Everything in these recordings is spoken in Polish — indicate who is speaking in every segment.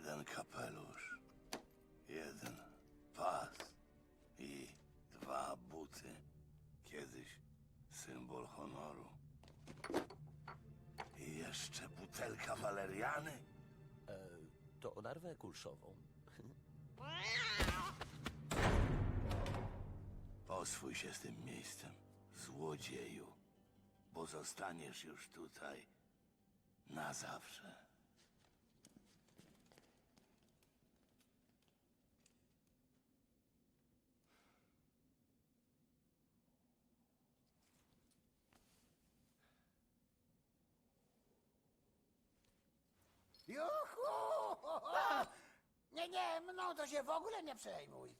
Speaker 1: Jeden kapelusz, jeden pas i 2 buty. Kiedyś symbol honoru. I jeszcze butelka waleriany.
Speaker 2: To o narwę kulszową.
Speaker 1: Oswój się z tym miejscem, złodzieju, bo zostaniesz już tutaj na zawsze.
Speaker 3: Juhu! Nie, mną to się w ogóle nie przejmuj.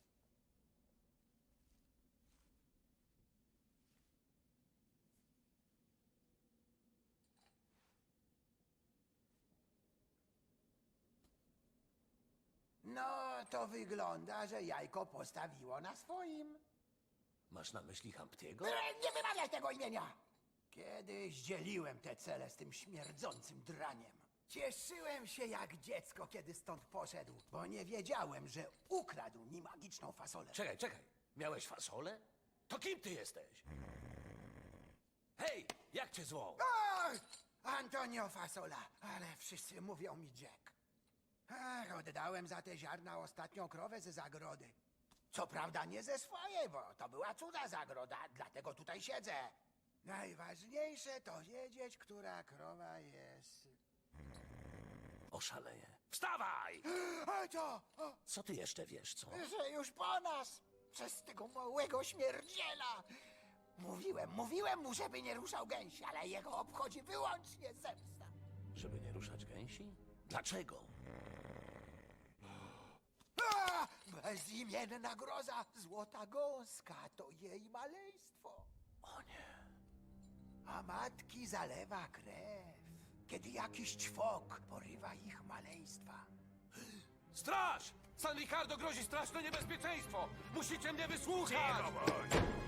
Speaker 3: No, to wygląda, że jajko postawiło na swoim.
Speaker 2: Masz na myśli Hamptiego?
Speaker 3: Nie wymawiaj tego imienia! Kiedyś dzieliłem te cele z tym śmierdzącym draniem. Cieszyłem się jak dziecko, kiedy stąd poszedł, bo nie wiedziałem, że ukradł mi magiczną fasolę.
Speaker 2: Czekaj. Miałeś fasolę? To kim ty jesteś? Hej, jak cię zwą?
Speaker 3: Ach, Antonio Fasola, ale wszyscy mówią mi Jack. Ach, oddałem za te ziarna ostatnią krowę ze zagrody. Co prawda nie ze swojej, bo to była cudza zagroda, dlatego tutaj siedzę. Najważniejsze to wiedzieć, która krowa jest.
Speaker 2: Oszaleję. Wstawaj!
Speaker 3: A to,
Speaker 2: Co ty jeszcze wiesz, co?
Speaker 3: że już po nas, przez tego małego śmierdziela. Mówiłem mu, żeby nie ruszał gęsi, ale jego obchodzi wyłącznie zemsta.
Speaker 2: Żeby nie ruszać gęsi? Dlaczego?
Speaker 3: A! Bezimienna groza, złota gąska, to jej maleństwo.
Speaker 2: O nie.
Speaker 3: A matki zalewa krew, kiedy jakiś ćwok porywa ich maleństwa.
Speaker 2: Straż! San Ricardo grozi straszne niebezpieczeństwo! Musicie mnie wysłuchać!
Speaker 4: Cicho bądź!